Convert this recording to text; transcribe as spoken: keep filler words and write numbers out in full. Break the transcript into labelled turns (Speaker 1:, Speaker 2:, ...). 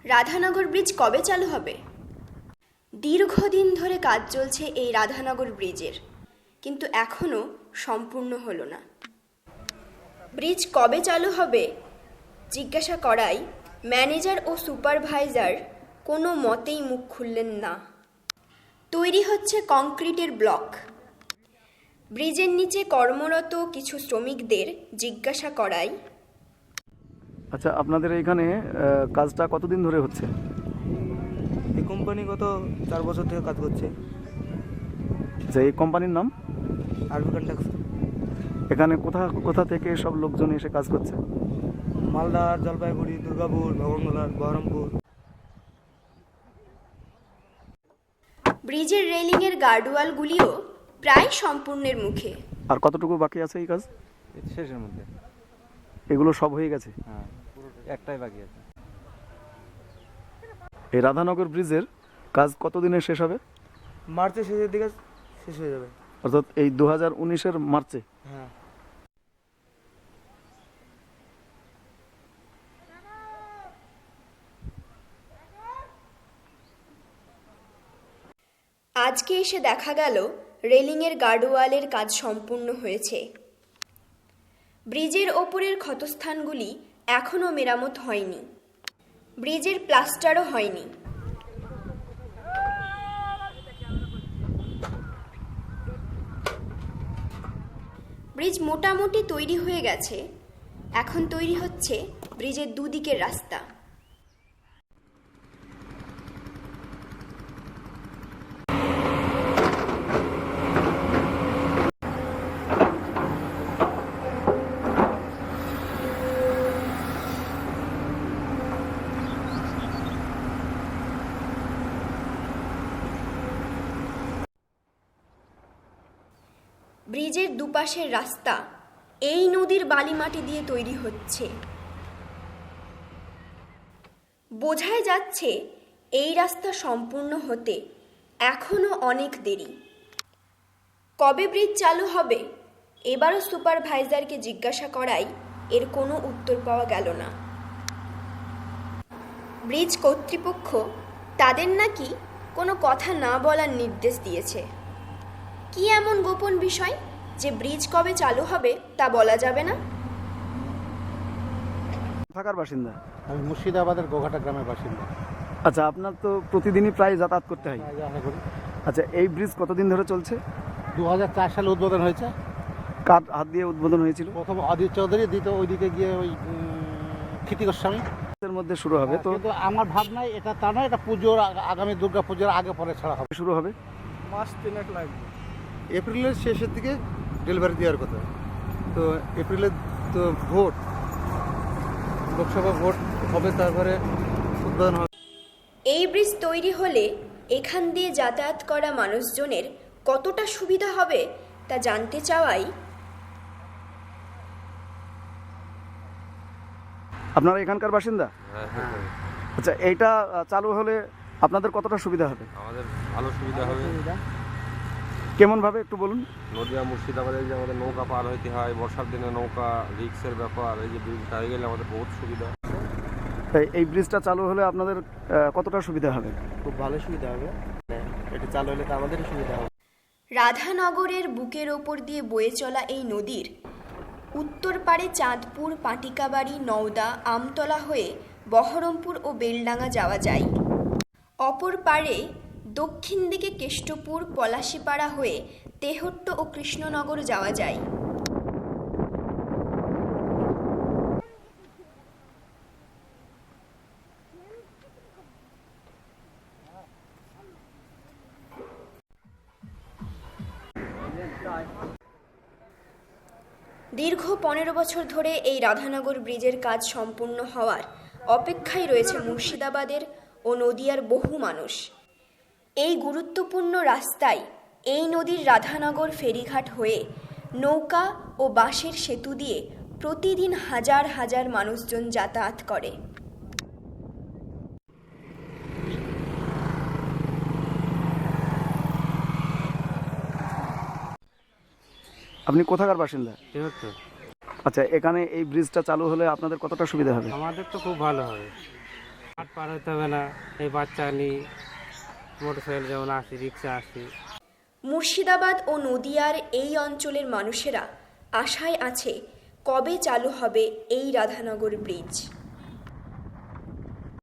Speaker 1: Radhanagar bridge কবে চালু হবে? দীর্ঘদিন ধরে কাজ চলছে এই রাধানগর ব্রিজের, কিন্তু এখনও সম্পূর্ণ হলো না। ব্রিজ কবে চালু হবে জিজ্ঞাসা করাই ম্যানেজার ও সুপারভাইজার কোনো মতেই মুখ খুললেন না। তৈরি হচ্ছে কংক্রিটের ব্লক। ব্রিজের নিচে কর্মরত কিছু শ্রমিকদের জিজ্ঞাসা করাই,
Speaker 2: আচ্ছা, আপনাদের এখানে কাজটা কতদিন ধরে হচ্ছে?
Speaker 3: এই কোম্পানি গত চার বছর থেকে কাজ করছে।
Speaker 2: আচ্ছা, এই কোম্পানির নাম?
Speaker 3: আরবি কন্ট্রাকশন।
Speaker 2: এখানে কোথা কোথা থেকে সব লোকজন এসে কাজ করছে?
Speaker 3: মালদা, জলপাইগুড়ি, দুর্গাপুর, ভগবানগোলার, বহরমপুর।
Speaker 1: ব্রিজের রেলিংয়ের গার্ডওয়ালগুলিও প্রায় সম্পূর্ণের মুখে।
Speaker 2: আর কতটুকু বাকি আছে এই কাজ?
Speaker 3: শেষের মধ্যে
Speaker 2: এগুলো সব হয়ে গেছে?
Speaker 3: হ্যাঁ, একটাই বাকি আছে।
Speaker 2: এই রাধানগর ব্রিজের কাজ কতদিনে শেষ হবে?
Speaker 3: মার্চের শেষের দিকে শেষ হয়ে যাবে।
Speaker 2: অর্থাৎ এই দু হাজার উনিশের মার্চে?
Speaker 3: হ্যাঁ।
Speaker 1: আজকে এসে দেখা গেল রেলিংয়ের গার্ডওয়ালের কাজ সম্পূর্ণ হয়েছে। ব্রিজের ওপরের ক্ষতস্থানগুলি এখনও মেরামত হয়নি। ব্রিজের প্লাস্টারও হয়নি। ব্রিজ মোটামুটি তৈরি হয়ে গেছে। এখন তৈরি হচ্ছে ব্রিজের দুদিকের রাস্তা। ব্রিজের দুপাশের রাস্তা এই নদীর বালিমাটি দিয়ে তৈরি হচ্ছে। বোঝাই যাচ্ছে এই রাস্তা সম্পূর্ণ হতে এখনো অনেক দেরি। কবে ব্রিজ চালু হবে এবারও সুপারভাইজারকে জিজ্ঞাসা করাই এর কোনো উত্তর পাওয়া গেল না। ব্রিজ কর্তৃপক্ষ তাদের নাকি কোনো কথা না বলার নির্দেশ দিয়েছে। কি এমন গোপন বিষয় যে ব্রিজ কবে চালু হবে তা বলা যাবে না?
Speaker 2: থাকার বাসিন্দা?
Speaker 4: আমি মুর্শিদাবাদের গোঘাটা গ্রামের বাসিন্দা।
Speaker 2: আচ্ছা, আপনার তো প্রতিদিনই প্রায় যাতায়াত করতে হয়। আচ্ছা, এই ব্রিজ কতদিন ধরে চলছে?
Speaker 4: দু হাজার চার সালে উদ্বোধন হয়েছে।
Speaker 2: কার হাত দিয়ে উদ্বোধন হয়েছিল?
Speaker 4: প্রথম অদিত চৌধুরী, দ্বিতীয় ওইদিকে গিয়ে ওই ক্ষিতি গোস্বামী।
Speaker 2: এর মধ্যে শুরু হবে তো?
Speaker 4: কিন্তু আমার ভাবনায় এটা তা নয়, এটা পুজোর আগামী দুর্গা পুজোর আগে পরে ছাড়া হবে।
Speaker 2: শুরু হবে
Speaker 3: মাস তিনেক লাগবে।
Speaker 5: এপ্রিলের শেষের দিকে ডেলিভারি দেওয়ার কথা। তো এপ্রিলের তো ভোট, লোকসভা ভোট হবে, তারপরে উদ্বোধন হবে।
Speaker 1: এই ব্রিজ তৈরি হলে এখান দিয়ে যাতায়াত করা মানুষজনের কতটা সুবিধা হবে তা জানতে চাওয়াই,
Speaker 2: আপনারা এখানকার বাসিন্দা? আচ্ছা, এইটা চালু হলে আপনাদের কতটা সুবিধা হবে?
Speaker 6: আমাদের ভালো সুবিধা হবে।
Speaker 2: কেমন ভাবে একটু বলুন।
Speaker 6: নদিয়া মুর্শিদাবাদে যে আমাদের নৌকা পার হইতে হয়, বর্ষার দিনে নৌকা রিক্সের ব্যাপার, এই যে ব্রিজটা হয়ে গেলে আমাদের বহুত সুবিধা।
Speaker 2: এই ব্রিজটা চালু হলে আপনাদের কতটা সুবিধা হবে?
Speaker 3: খুব ভালো সুবিধা হবে। এটা চালু হলে তো আমাদেরই সুবিধা হবে।
Speaker 1: রাধানগরের বুকের ওপর দিয়ে বয়ে চলা এই নদীর উত্তর পাড়ে চাঁদপুর, পাটিকাবাড়ি, নওদা, আমতলা হয়ে বহরমপুর ও বেলডাঙ্গা যাওয়া যায়। অপর পাড়ে দক্ষিণ দিকে কেষ্টপুর, পলাশিপাড়া হয়ে তেহট্ট ও কৃষ্ণনগর যাওয়া যায়। দীর্ঘ পনেরো বছর ধরে এই রাধানগর ব্রিজের কাজ সম্পূর্ণ হওয়ার অপেক্ষায় রয়েছে মুর্শিদাবাদের ও নদিয়ার বহু মানুষ। এই গুরুত্বপূর্ণ রাস্তায় এই নদীর রাধানগর ফেরিঘাট হয়ে নৌকা ও বাঁশের সেতু দিয়ে প্রতিদিন হাজার হাজার মানুষজন যাতায়াত করে।
Speaker 2: আপনি কোথাকার বাসিন্দা?
Speaker 3: তেহট্ট।
Speaker 2: আচ্ছা, এখানে এই ব্রিজটা চালু হলে আপনাদের কতটা সুবিধা হবে?
Speaker 3: আমাদের তো খুব ভালো হবে।
Speaker 7: হাট পার হতে হবে না, এই বাচ্চা নিয়ে মোটরসাইকেল যেমন আসি, রিক্সা আসি।
Speaker 1: মুর্শিদাবাদ ও নদিয়ার এই অঞ্চলের মানুষেরা আশায় আছে কবে চালু হবে এই রাধানগর ব্রিজ।